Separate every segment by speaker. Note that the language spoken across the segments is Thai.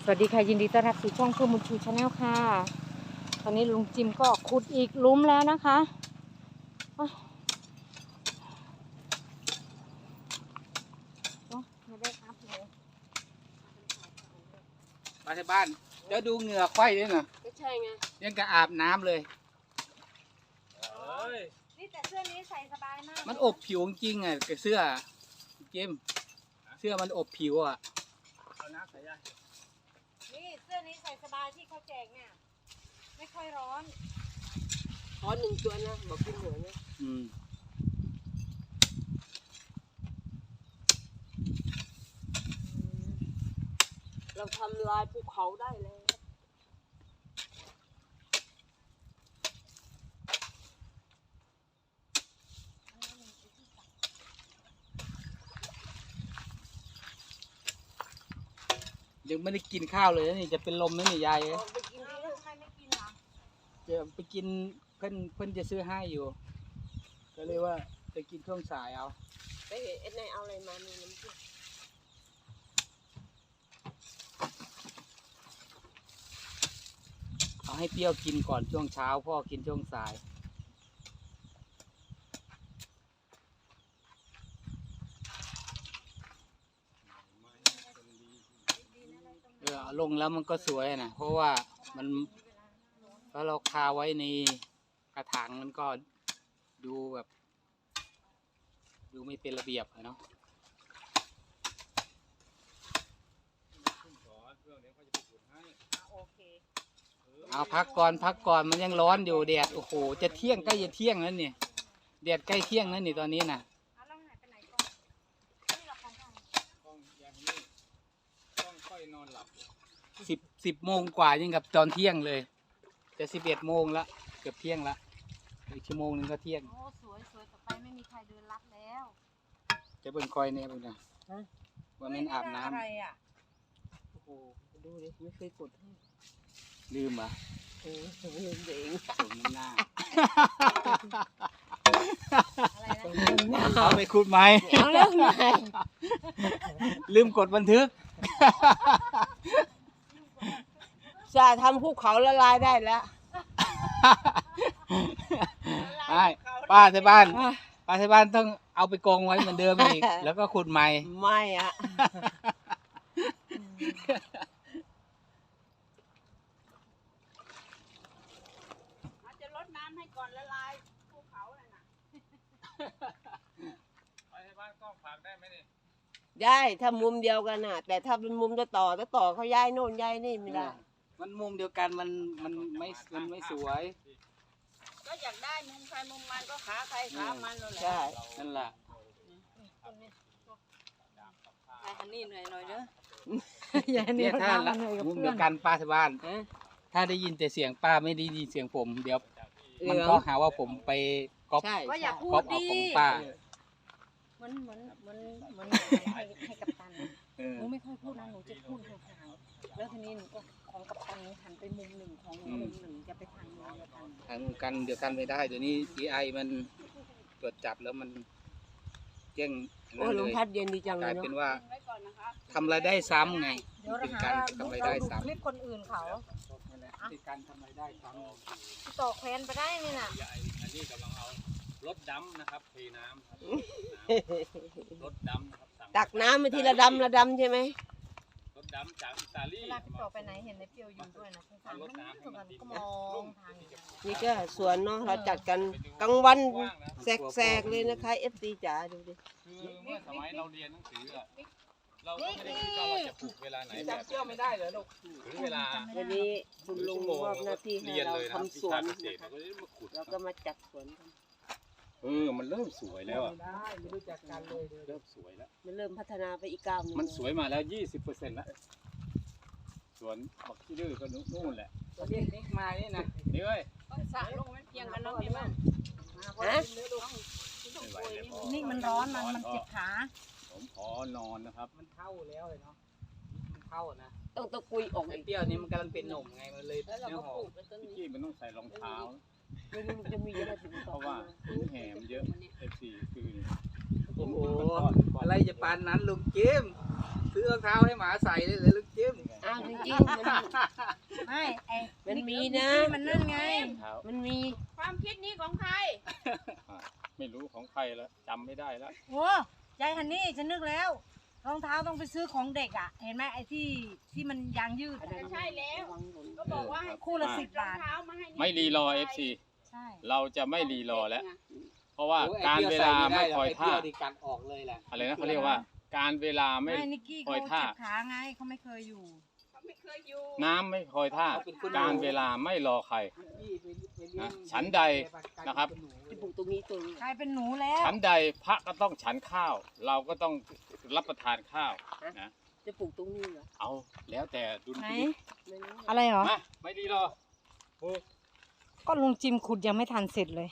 Speaker 1: วัสดีค่ะยินดีต้อนรับสู่ช่องเพื่อมุนชูชาแนลค่ะตอนนี้ลุงจิมก็ขุดอีกหลุมแล้วนะคะไม่ได้ครับเลย
Speaker 2: มาที่บ้านเดี๋ยวดูเหงื่อควายด้วยนะ
Speaker 1: ไม่ใช่ไง
Speaker 2: ยังกะอาบน้ำเลย
Speaker 1: นี่แต่เสื้อนี้ใส่สบายมาก
Speaker 2: มันอบผิวจริงอ่ะกับเสื้อเจมเสื้อมันอบผิวอ่ะเอาน้ำใส่ยัง
Speaker 1: นี่เสื้อนี้ใส่สบายที่เขาแจกเนี่ยไม่ค่อยร้อน
Speaker 3: ขอ1 ตัวนะบอกกินหัวนะเราทำลายภูเขาได้เลย
Speaker 2: ยังไม่ได้กินข้าวเลยนี่จะเป็นลมนะนี่ยาย
Speaker 1: ไปกินที่ลูกใครไม่กินหรอ
Speaker 2: จะไปกินเพื่อนจะซื้อให้อยู่ก็เลยว่าจะกินช่วงสายเอา
Speaker 3: ไปเห็นไอ้นายเอาอะไรมามีน้ำจิ้ม
Speaker 2: เอาให้เปรี้ยวกินก่อนช่วงเช้าพ่อกินช่วงสายลงแล้วมันก็สวยนะเพราะว่ามันถ้าเราคาไว้ในกระถางมันก็ดูแบบดูไม่เป็นระเบียบเนาะเอาพักก่อนมันยังร้อนอยู่แดดโอ้โหจะเที่ยงใกล้จะเที่ยงแล้วเนี่ยแดดใกล้เที่ยงแล้วนี่ตอนนี้นะ10 โมงกว่ายังกับตอนเที่ยงเลยจะ11 โมงละเกือบเที่ยงละอีกชั่วโมงนึงก็เที่ยง
Speaker 1: โอ้สวยต่อไปไม่มีใครเดินลัดแล้ว
Speaker 2: จะเป็นคอยเนี่ยเป็นไงวันนี้อาบน้ำ
Speaker 1: อะไรอ่ะ
Speaker 3: โอ้โหดูดิไม่เคยกดให้
Speaker 2: ลืมอ่ะ
Speaker 3: ลืมเอง
Speaker 2: สมหน้าเอาไปขุดไหม
Speaker 3: เอาเรื่องไหม
Speaker 2: ลืมกดบันทึก
Speaker 3: จะทำภูเขาละลายได้แล้ว
Speaker 2: ป้าที่บ้านต้องเอาไปกองไว้เหมือนเดิมอีกแล้วก็ขุดใหม่
Speaker 3: ไม่อะ
Speaker 1: จะลดน้ำให้ก่อนละลายภูเขาเลยนะ
Speaker 2: ไปที่บ้านกล้องฝากได้ไหมนี่
Speaker 3: ได้ถ้ามุมเดียวกันน่ะแต่ถ้าเป็นมุมต่อเขาย้ายโน่นย้ายนี่ไม่ได้
Speaker 2: มันมุมเดียวกันมันไม่สวย
Speaker 1: ก็อยากได้มุมใครมุมมันก็ขาใครขามันนั่นแหละ
Speaker 3: ใช่
Speaker 2: นั่นแหละ
Speaker 1: อันนี้หน่อยเด้อ
Speaker 2: เนี่ยถ้ามุมเดียวกันป้าที่บ้านถ้าได้ยินแต่เสียงป้าไม่ได้ยินเสียงผมเดี๋ยวมันก็หาว่าผมไปก๊อปเอาของป้า
Speaker 1: เหมือนให้กัปตันหนูไม่ค่อยพูดนะหนูจะพูดห่างๆแล้วทีนี้หนูก็ของกัปตันหันไปมุมหนึ่งของมุมหนึ่งจะไปทางนู้นเดียวกัน
Speaker 2: ทางกันเดียวกันไม่ได้เดี๋ยวนี้ AI มันตรวจจับแล้วมันแจ้ง
Speaker 3: โอ้ลมพัดเย็นดีจังเลย
Speaker 2: กลายเป็นว่าทำรายได้ซ้ำไงเป็นการทำรายได้ซ้ำ
Speaker 1: คลิปคนอื่นเขา
Speaker 2: เป็นการทำรายได้ซ้
Speaker 1: ำต่อแขวนไปได้นี่นะ
Speaker 2: อันนี้กำลังเอารถดำนะครับเทน้ำครับรถดำนะครับ
Speaker 3: ตักน้ำมาทีละดำใช่ไหม
Speaker 2: รถดำจากอิตาลี
Speaker 1: เวลาพี่ต่อไปไหนเห็นในเปียวอยู่ด้วยนะสงสารมันก็มองทาง
Speaker 3: นี่ก็สวนเนาะเราจัดกันกลางวันแสกเลยนะคะFTจ๋าดูดิ
Speaker 2: คือเมื่อสมัยเราเรียนหนังสือเราไม่ได้คิดว่าเราจะปลูกเวลาไหนแบบเชื่อไม่ได้เลยลูกถึงเวลา
Speaker 3: วันนี้คุณลุงมอบหน้าที่ให้เราทำสวนเราก็มาจัดสวนกัน
Speaker 2: มันเริ่มสวยแล้วอ่ะ
Speaker 1: ไม่รู้จักกันเลย
Speaker 2: เริ่มสวยแล้ว
Speaker 3: มันเริ่มพัฒนาไปอีกก้าวนึง
Speaker 2: มันสวยมาแล้ว 20%แล้วสวนบักที่ดื้อก็นู่นแหละเรียกนิกมานี่นะนี่เว้ย
Speaker 1: ต้องสระลงมันเพียงกันน้องพี่บ้านนี่มันร้อนมันเจ็บขา
Speaker 2: ผมขอนอนนะครับมันเท่าแล้วเลยเนาะมันเท่านะ
Speaker 3: ต้องตะกุยออก
Speaker 2: ไอ้เปรี้ยวนี้มันกำลังเป็นหนุ่มไงมันเลยเนื้อหอมที่มันต้องใส่รองเท้า
Speaker 3: จะมีอะไร
Speaker 2: เพราะว่าแหมเยอะF4คือ
Speaker 1: โอ้โห
Speaker 2: อะไรจะปานนั้นลุงเจมซื้อรองเท้าให้หมาใส่เลยลุงเจม
Speaker 3: อ้าวางจริงๆ
Speaker 1: ไม่ไอ้
Speaker 3: มันมีนะ
Speaker 1: มันนั่นไง
Speaker 3: มันมี
Speaker 4: ความคิดนี้ของใคร
Speaker 5: ไม่รู้ของใครแล้วจำไม่ได้แล้ว
Speaker 1: โอ้ยายฮันนี่ฉันนึกแล้วรองเท้าต้องไปซื้อของเด็กอ่ะ เห็นไหมไอ้ที่มันยางยืดอะ
Speaker 4: ใช่แล้ว ก็บอกว่าให้
Speaker 1: คู่ละ
Speaker 5: อ่า
Speaker 1: 10 บาท
Speaker 4: รองเท้ามาให้นี่
Speaker 5: ไม่รีรอ FC
Speaker 1: ใช่
Speaker 5: เราจะไม่รีรอแล้ว เพราะว่า
Speaker 2: โอ้ย
Speaker 5: การเวลาไม่คอย
Speaker 2: ไอ้
Speaker 5: ท่า
Speaker 2: เปรี้ยวนี่กัดออกเลยแหละ
Speaker 5: อะไรนะเขาเรียกว่า การเวลาไม่
Speaker 1: ไม่นิกกี้
Speaker 5: คอ
Speaker 1: เขา
Speaker 5: ยท่า
Speaker 1: เจ็บขาไงเขาไม่เคยอยู่
Speaker 4: เขาไม่เคยอยู่
Speaker 5: น้ำไม่คอยท่า
Speaker 2: เป็นคน
Speaker 5: การเวลาไม่รอใคร นะฉันใดนะครับ
Speaker 3: จะปลูกตรงนี้ตรง
Speaker 1: กลายเป็นหนูแล้ว
Speaker 5: ฉันใดพระก็ต้องฉันข้าว เราก็ต้องรับประทานข้าวนะ
Speaker 3: จะปลูกตรงนี้เหรอ
Speaker 5: เอาแล้วแต่ดุล
Speaker 1: ไหน
Speaker 5: พินิจ
Speaker 3: ไม่รู้
Speaker 1: อะไรเหรอ
Speaker 5: มาไม่รีรอปลูก
Speaker 1: ก็ลุงจิมขุดยังไม่ทันเสร็จเลย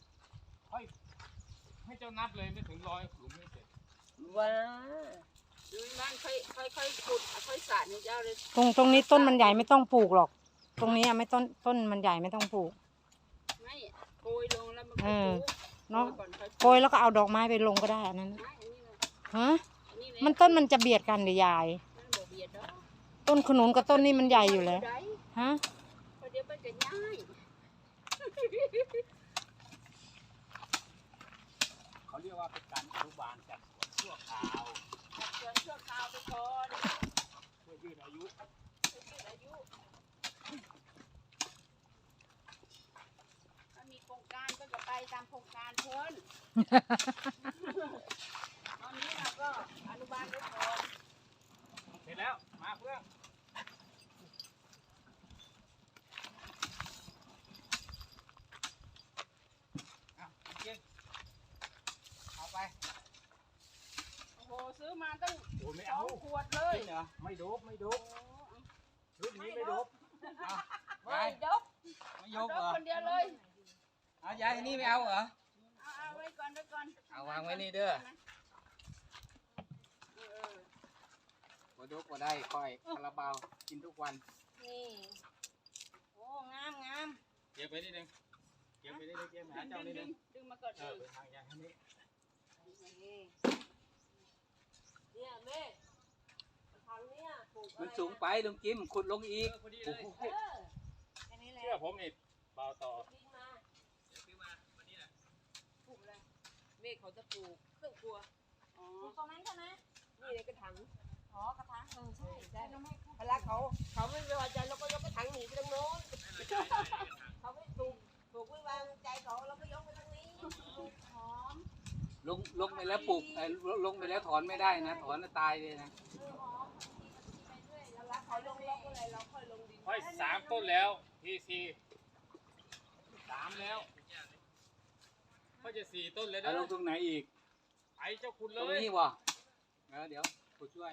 Speaker 5: ให้เจ้านับเลยไม่ถึง100หลุมไม่เสร็จ
Speaker 3: ว้า
Speaker 4: ดูนั่นค่อยขุดค่อยสาดให้เจ้าเลย
Speaker 1: ตรงนี้ต้นมันใหญ่ไม่ต้องปลูกหรอก ตรงนี้อะไม่ต้นมันใหญ่ไม่ต้องปลูก
Speaker 4: ไม่โกยลงแล้วมัน
Speaker 1: เอ
Speaker 4: ก็
Speaker 1: อ
Speaker 4: ปลูก
Speaker 1: เนาะ
Speaker 4: โกยก่อนค่อย
Speaker 1: โกยแล้วก็เอาดอกไม้ไปลงก็ได้อันนั้น
Speaker 4: ไม่อันนี้เลย
Speaker 1: ฮะ
Speaker 4: อันนี้เลย
Speaker 1: มันต้นมันจะเบียดกันหรือยาย
Speaker 4: มันบ่เบียดดอก
Speaker 1: ต้นขนุนกับต้นนี้มันใหญ่อยู่แล้ว
Speaker 4: ได้
Speaker 1: ฮะ
Speaker 4: เพราะเดี๋ยวมันจะง่าย
Speaker 5: เขาเรียกว่าเป็นการอนุบาลจากสวนชั่วคราว
Speaker 4: จัดสวนชั่วคราวไปก่อน
Speaker 5: เพื่อยืดอายุ
Speaker 4: เพื่อยืดอายุถ้ามีโครงการก็จะไปตามโครงการเพิ่น ตอนนี้เราก็อนุบาลไปก่อน
Speaker 5: เสร็จแล้วมาเพื่อนเอาเก่งเอาไป
Speaker 4: โอ้โหซื้อมาตั้ง
Speaker 5: โอ้ไม่
Speaker 4: สอ
Speaker 5: เอา
Speaker 4: งขวดเลย
Speaker 5: จริงเหรอไม่โดบไม่โดบรุ่นนี้ไม่โดบเอา
Speaker 4: ไม่
Speaker 5: ยาย
Speaker 4: ดก
Speaker 5: ไม่ยก
Speaker 4: ด
Speaker 5: เหร
Speaker 4: ก
Speaker 5: อ
Speaker 4: คนเดียวเลย
Speaker 5: เอายายอันนี้ไม่เอาเหรอ
Speaker 4: เอาไว้ก่อนไว้ก่อน
Speaker 5: เอาวางไว้นี่เด้อ
Speaker 4: เออ
Speaker 2: บ่ดกบ่ได้ค่อยคาราบาวกินทุกวัน
Speaker 1: นี่ โอ้งามงาม
Speaker 5: เก็บไปนิดนึงเก็บไปนิดนึงเก็บหาเจ้านิดนึง
Speaker 4: ดึงมาก่อน
Speaker 5: เออไปทางยายทางนี้
Speaker 3: เนี่ยแม่ทางเนี้ยปลูก
Speaker 2: มันสูงไปลุงจิมขุดลงอีก
Speaker 5: พอดีเลย
Speaker 1: แค่นี้แหละ
Speaker 5: เชื่อผมนี่เบาต่อ
Speaker 3: แม่เขาจะปลูกเครื่องครัว
Speaker 4: อ๋อ
Speaker 1: ตรงนั้นใช่ไหม
Speaker 3: นี่เลยกระถาง
Speaker 1: อ๋อกระถางใช่ใช่ต้องให้
Speaker 3: เวลาเขาไม่พอใจเราก็ยกกระถางหนีไปทางโน้นเขาไม่ปลูกไม่วางใจเขาเราก็ยกไปทางนี้
Speaker 1: หอม
Speaker 2: ลงไปแล้วปลูกลงไปแล้วถอนไม่ได้นะ ถอนแล้วตายเลยนะ
Speaker 3: เวลาเขาลงล็อกอะไรเราค่อยลงดิน
Speaker 5: ค่อย3 ต้นแล้วทีซี3แล้วก็จะ4 ต้นเลย
Speaker 2: เอา
Speaker 5: นะ
Speaker 2: ลงตรงไหนอีก
Speaker 5: ไอ้เจ้าคุณ
Speaker 2: ต
Speaker 5: เล
Speaker 2: รง
Speaker 5: ย
Speaker 2: นี้วะเดี๋ยวขุดช่วย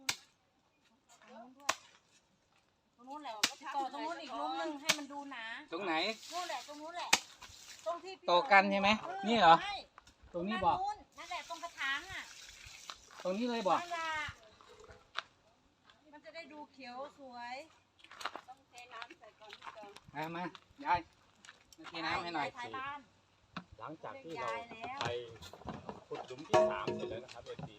Speaker 1: ตรงนู้นแหละต่อตรงนู้นอีกลุ้มหนึงให้มันดูหนา
Speaker 2: ตรงไหน
Speaker 1: นู่นแหละตรงนู้นแหละ ตรงที่พี่
Speaker 2: โตกันใช่ไหมนี่เหรอ
Speaker 1: ใช่
Speaker 2: ตรงนี้บอก
Speaker 1: นั่นแหละตรงกระถางอ่ะ
Speaker 2: ตรงนี้เลยบอก
Speaker 1: นั่นแหละมันจะได้ดูเขียวสวย
Speaker 4: ต้องเทน้ำใส่ก่อนพี่จอง
Speaker 2: มายายมาเทน้ำให้หน่อย
Speaker 1: ท้ายบ้าน
Speaker 5: หลังจากที่
Speaker 1: เรียก
Speaker 5: เรา
Speaker 1: ยายแล้ว
Speaker 5: ไปขุดหลุมที่3เสร็จแล้วนะครับเอซี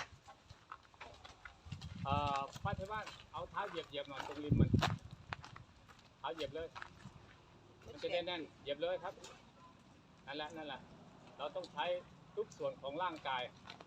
Speaker 5: ป้าที่บ้านเอาเท้าเหยียบหน่อยตรงริมมันเท้าเหยียบเลยมันจะแน่นๆเหยียบเลยครับนั่นแหละเราต้องใช้ทุกส่วนของร่างกาย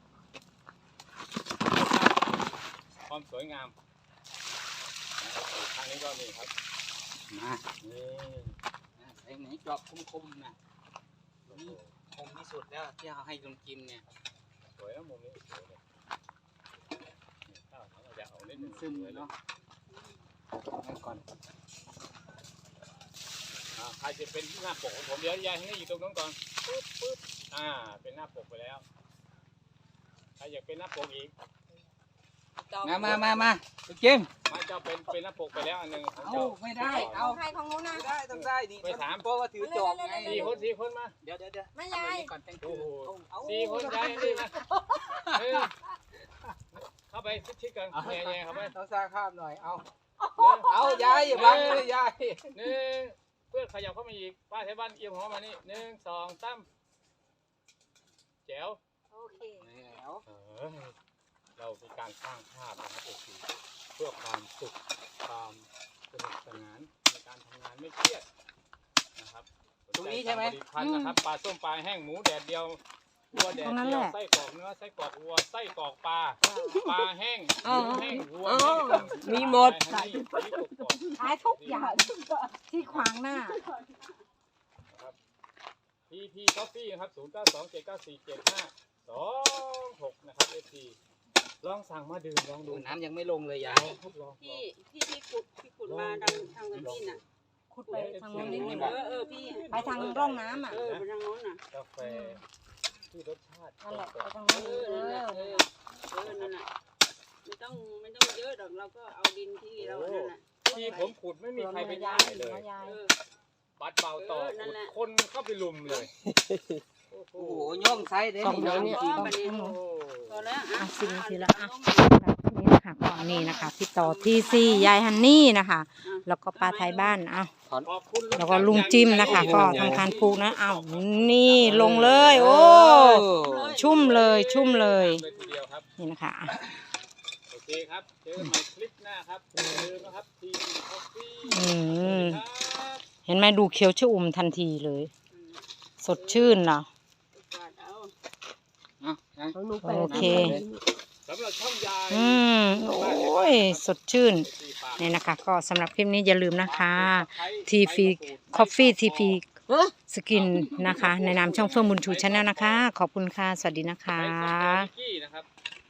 Speaker 5: ความสวยงามทางนี้ก็มีครับ
Speaker 2: มา
Speaker 5: นี่
Speaker 2: ไอ้ไหนจอบคมๆนะนี่คมที่สุดแล้วที่เอาให้ลุงจิมเนี่ย
Speaker 5: สวยนะมุมนี้สวยเลยนี่ข้าวเราจะเอานิดนึง
Speaker 2: ซึมเนาะงั้นก่อน
Speaker 5: ใครจะเป็นหน้าปกของผมเดี๋ยวยายให้อยู่ตรงนั้นก่อนปึ๊บเป็นหน้าปกไปแล้วใครอยากเป็นหน้าปกอีก
Speaker 2: มาลุงจิม
Speaker 5: มาเจ้าเป็นหน้าปกไปแล้วอันหนึงของ
Speaker 2: เอา
Speaker 5: เจ้า
Speaker 2: ไม่ได้
Speaker 1: เอา
Speaker 2: เอา
Speaker 1: ใครของนู้นนะ
Speaker 2: ไม่ได้ต้องได้นี่
Speaker 5: ไปถาม
Speaker 2: เพราะว่าถือจอบไง
Speaker 5: 4 คนมา
Speaker 2: เดี๋ยว
Speaker 1: ไม่ยาย
Speaker 2: ก่อนแต่ง
Speaker 5: โอ้
Speaker 2: ตัว
Speaker 5: โห
Speaker 2: เอา
Speaker 5: 4 คนยายนี่มาเข้าไปชิดๆกันแย่ๆเข้าไป
Speaker 2: ต้องสร้างภาพหน่อย เอา
Speaker 5: 1
Speaker 2: เอายายอย่าบังเลยยาย
Speaker 5: เพื่อนขยับเข้ามาอีกป้าไทยบ้านเอียงหัวมานี่1 2 3แจ๋ว
Speaker 1: โอเค
Speaker 2: แล้ว
Speaker 5: เรามีการสร้างภาพนะครับโอเคเพื่อความสุขความสนุกสนานในการทำงานไม่เครียดนะครับ
Speaker 2: ตรงนี้ใช่ไหม
Speaker 5: ผลิตภัณฑ์นะครับปลาส้มปลาแห้งหมูแดดเดียววัวแดดเดียวไส้กรอกเนื้อไส้กรอกวัวไส้กรอกปลาปลาแห้งหมูแห้งวัวแห้ง
Speaker 3: มีหมด
Speaker 5: ขายกรอก
Speaker 1: ขายทุกอย่างที่ขวางหน้า
Speaker 5: TP Coffee นะครับ0927947526นะครับ FT ลองสั่งมาดื่มลองดู
Speaker 2: น้ำยังไม่ลงเลยยาย
Speaker 5: ทดลอง
Speaker 4: พี่ขุดมาทางกระบี่น่ะ
Speaker 1: ขุดไปทางโน้นนิดนึง
Speaker 4: พี่
Speaker 1: ไปทางร่องน้ำอ่ะ
Speaker 4: ไปทางโน้นน่ะ
Speaker 5: กาแฟที่รสชาติ
Speaker 1: นั่นแหละไปทาง
Speaker 4: เอ
Speaker 1: โน้น
Speaker 4: อนั่นน่ะไม่ต้องเยอะหรอกเราก็เอาดินที่เรานั่นน่ะ
Speaker 5: ที่ผมขุดไม่มีใครไป
Speaker 1: ยา
Speaker 5: ถ่าย ยเลย
Speaker 1: ยาย
Speaker 5: บัดเบาต่อขุดคนเข้าไปลุมเลยโอ้โห
Speaker 2: โอ้โหย่องไซส์เด้
Speaker 3: ต้องน้ำเนี่ย
Speaker 4: พอแล้ว
Speaker 1: อ่ะสิทีละอ่ะนี่นะคะก่อนนี้นะคะพี่ต่อที่ซี่ยายฮันนี่นะคะ แล้วก็ป้าไทยบ้านเอา
Speaker 5: ขอบคุณ
Speaker 1: แล้วก็ลุงจิ้มนะคะ ก็ทำการปลูกนะเอานี่ลงเลย โอ้ชุ่มเลยชุ่มเลย
Speaker 5: เลยทีเดียวครับ
Speaker 1: นี่นะคะอ่ะ
Speaker 5: โอเคครับเจอกันใหม่คลิปหน้าครับอย่าลืมนะครับ TP Coffee
Speaker 1: อืม
Speaker 5: ครับ
Speaker 1: เห็นไหมดูเขียวชอุ่มทันทีเลย สดชื่นเนาะ โอเค
Speaker 5: สำหรับช่องยาย
Speaker 1: โอ้ยสดชื่นนี่นะคะ ก็สำหรับคลิปนี้อย่าลืมนะคะ TP Coffee TP สกินนะคะ ในนามช่องเฟื่องบุญชูชาแนลนะคะ ขอบคุณค่ะ สวัสดีนะคะ
Speaker 5: ใช้ส้มโอนิกกี้นะครับ